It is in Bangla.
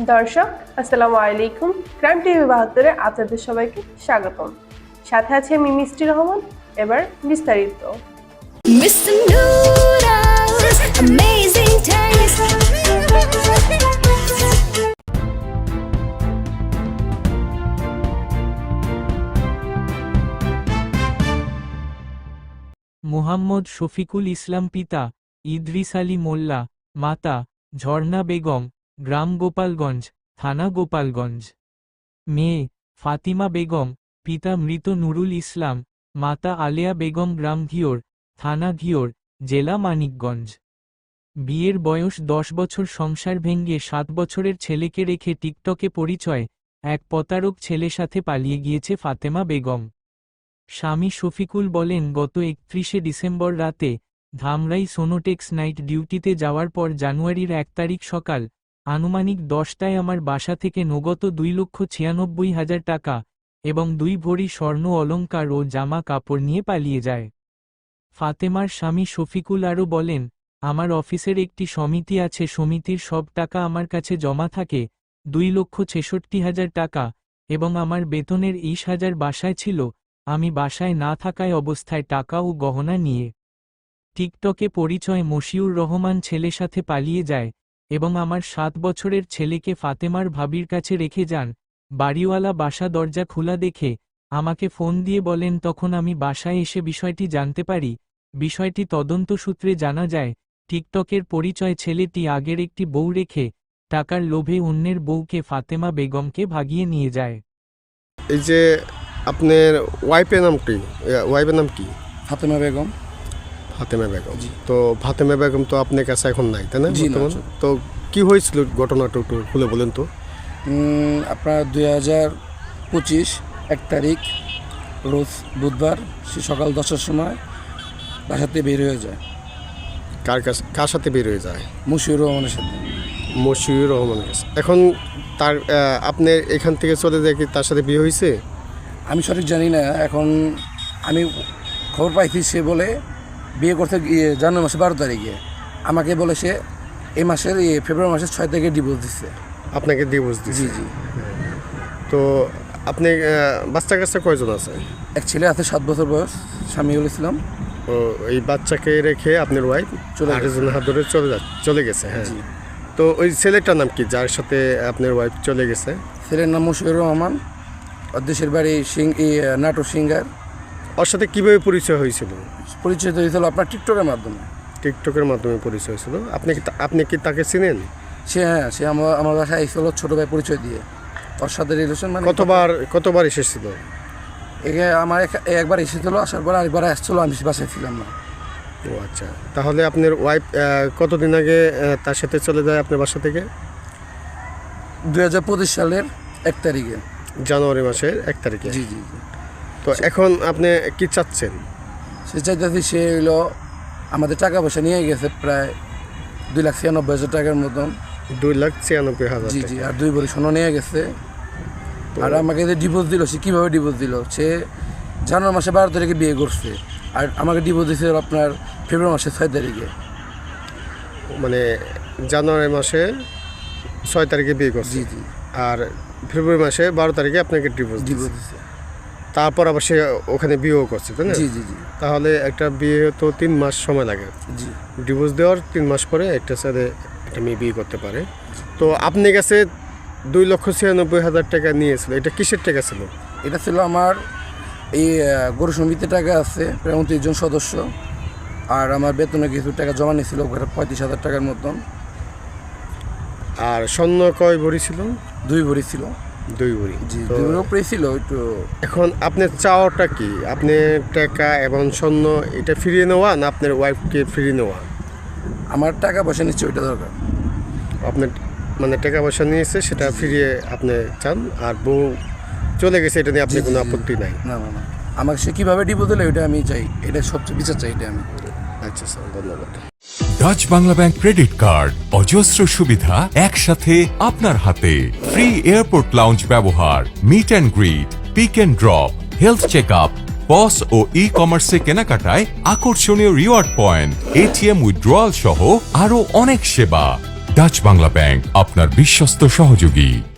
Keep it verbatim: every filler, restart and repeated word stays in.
দর্শক আসসালামু আলাইকুম, ক্রাইম টিভি বাহাত্তরে আপনাদের সবাইকে স্বাগতম। সাথে আছে আমি মিষ্টি রহমান। এবার বিস্তারিত। Mister Noodles, amazing taste. Muhammad Shafiqul ইসলাম, পিতা ইদ্রিস আলী মোল্লা, মাতা ঝর্ণা বেগম, গ্রাম গোপালগঞ্জ, থানা গোপালগঞ্জ। মেয়ে ফাতিমা বেগম, পিতা মৃত নুরুল ইসলাম, মাতা আলেয়া বেগম, গ্রাম ঘিওর, থানা ঘিওর, জেলা মানিকগঞ্জ। বিয়ের বয়স দশ বছর। সংসার ভেঙে সাত বছরের ছেলেকে রেখে টিকটকে পরিচয় এক প্রতারক ছেলে সাথে পালিয়ে গিয়েছে ফাতেমা বেগম। স্বামী শফিকুল বলেন, গত একত্রিশে ডিসেম্বর রাতে ধামরাই সোনোটেক্স নাইট ডিউটিতে যাওয়ার পর জানুয়ারির এক তারিখ সকাল আনুমানিক দশটায় আমার বাসা থেকে নগদ দুই লক্ষ ছিয়ানব্বই হাজার টাকা এবং দুই ভরি স্বর্ণ অলংকার ও জামা কাপড় নিয়ে পালিয়ে যায়। ফাতেমার স্বামী শফিকুল আরও বলেন, আমার অফিসের একটি সমিতি আছে, সমিতির সব টাকা আমার কাছে জমা থাকে, দুই লক্ষ ছেষট্টি হাজার টাকা এবং আমার বেতনের ইশ হাজার বাসায় ছিল। আমি বাসায় না থাকায় অবস্থায় টাকা ও গহনা নিয়ে টিকটকে পরিচয় মশিউর রহমান ছেলে সাথে পালিয়ে যায় এবং আমার সাত বছরের ছেলেকে ফাতেমার ভাবির কাছে রেখে যান। বাড়িওয়ালা বাসা দরজা খোলা দেখে আমাকে ফোন দিয়ে বলেন, তখন আমি বাসায় এসে বিষয়টি জানতে পারি। বিষয়টি তদন্ত সূত্রে জানা যায়, টিকটকের পরিচয় ছেলেটি আগের একটি বউ রেখে টাকার লোভে অন্যের বউকে ফাতেমা বেগমকে ভাগিয়ে নিয়ে যায়। এই যে আপনার ওয়াইফের নাম কি? ওয়াইফের নাম কি? ফাতেমা বেগম। ফাতেমা বেগম। তো ফাতেমা বেগম তো আপনার কাছে এখন নাই, তাই না? জি না। তো কি হয়েছিল ঘটনাটা একটু খুলে বলেন তো। উম, আপনার দুই হাজার পঁচিশ এক তারিখ রোজ বুধবার সে সকাল দশটার সময় বাসাতে বের হয়ে যায়। কার কাছে, কার সাথে বের হয়ে যায়? মুশিউর রহমানের সাথে। মশিউর রহমানের কাছে। এখন তার আপনি এখান থেকে চলে যায় কি তার সাথে বিয়ে হয়েছে? আমি সঠিক জানি না। এখন আমি খবর পাইছি সে বলে বিয়ে করতে গিয়ে জানুয়ারি মাসে বারো তারিখে আমাকে বলে সে এই মাসের এই ফেব্রুয়ারি মাসের ছয় তারিখে ডিভোর্স দিচ্ছে। আপনাকে ডিভোর্স দিচ্ছে? জি জি। তো আপনি বাচ্চা কাচ্চা কয়জন আছে? এক ছেলে আছে সাত বছর বয়স, স্বামীউল ইসলাম। ও এই বাচ্চাকে রেখে আপনার ওয়াইফ চলে আরেকজন হাত ধরে চলে যা চলে গেছে। হ্যাঁ। তো ওই ছেলেটার নাম কি যার সাথে আপনার ওয়াইফ চলে গেছে? ছেলের নাম মুশিউর রহমান, ওর দেশের বাড়ি সিং নাটোর সিঙ্গার। ওর সাথে কীভাবে পরিচয় হয়েছিল? পরিচয় হয়েছিল আপনার টিকটকের মাধ্যমে। টিকটকের মাধ্যমে পরিচয় হয়েছিল। আপনি কি আপনি কি তাকে চিনেন? সে হ্যাঁ, সে আমার আমার বাসায় এসেছিল ছোটো ভাই পরিচয় দিয়ে। ওর সাথে রিলেশন মানে কতবার কতবার এসেছিল? এগে আমার এক- একবার এসেছিলো, আসার পর আরেকবার আসছিলো, আমি বাসায় ছিলাম না। ও আচ্ছা। তাহলে আপনার ওয়াইফ কতদিন আগে আহ, তার সাথে চলে যায় আপনার বাসা থেকে? দুই হাজার পঁচিশ সালের এক তারিখে। জানুয়ারি মাসের এক তারিখে। জি জি জি। তো এখন আপনি কি চাচ্ছেন? সে চাইতেছি সে হইলো আমাদের টাকা পয়সা নিয়ে গেছে প্রায় দুই লাখ ছিয়ানব্বই হাজার টাকার মতন। দুই লাখ ছিয়ানব্বই হাজার জি জি। টাকা। আর দুই ভরি সোনা নিয়ে গেছে। আর আমাকে যে ডিভোর্স দিল, সে কীভাবে ডিভোর্স দিল? সে জানুয়ারি মাসে বারো তারিখে বিয়ে করছে, আর আমাকে ডিভোর্স দিয়েছে আপনার ফেব্রুয়ারি মাসে ছয় তারিখে। মানে জানুয়ারি মাসে ছয় তারিখে বিয়ে করছে, জি জি। আর ফেব্রুয়ারি মাসে বারো তারিখে আপনাকে ডিভোর্স ডিভোর্স দিয়েছে। দিচ্ছে। তারপর আবার সে ওখানে বিয়েও করছে, তাই না? জি জি জি তাহলে একটা বিয়ে তো তিন মাস সময় লাগে। জি। ডিভোর্স দেওয়ার তিন মাস পরে একটা সাথে একটা মেয়ে বিয়ে করতে পারে। তো আপনি কাছে দুই লক্ষ ছিয়ানব্বই হাজার টাকা নিয়েছিল, এটা কিসের টাকা ছিল? এটা ছিল আমার এই আহ, গরু সমিতির টাকা আছে প্রায় উনত্রিশ জন সদস্য, আর আমার বেতনে কিছু টাকা জমা নিয়েছিল ওখানে পঁয়ত্রিশ হাজার টাকার মতন। আর স্বর্ণ কয় ভরি ছিল? দুই ভরি ছিল। দুই ভরি। জি, তো দুই ভরি উপরেই ছিল একটু। এখন আপনার চাওয়াটা কি? আপনি টাকা এবং স্বর্ণ এটা ফিরিয়ে নেওয়া না আপনার ওয়াইফকে ফিরিয়ে নেওয়া? আমার টাকা পয়সা নিচ্ছে ওইটা দরকার। আপনার মানে টাকা পয়সা নিয়েছে সেটা ফিরিয়ে আপনি চান, আর বউ চলে গেছে এটা নিয়ে আপনি জি, জি, কোনো জি। আপত্তি নাই? না না না, আমাকে সে কীভাবে ডিভোর্স দিলে ওইটা আমি চাই, এটা সবচেয়ে বিচার চাই, এটা আমি। আচ্ছা স্যার, ধন্যবাদ। Dutch Bangla bank credit card, অজস্র সুবিধা একসাথে আপনার হাতে। ফ্রি এয়ারপোর্ট লাউঞ্জ ব্যবহার, meet and greet, pick and drop, health check up, POS ও ই কমার্সে কেনাকাটায় আকর্ষণীয় রিওয়ার্ড পয়েন্ট, এটিএম উইথড্রয়াল সহ আরো অনেক সেবা। ডাচ বাংলা ব্যাংক, আপনার বিশ্বস্ত সহযোগী।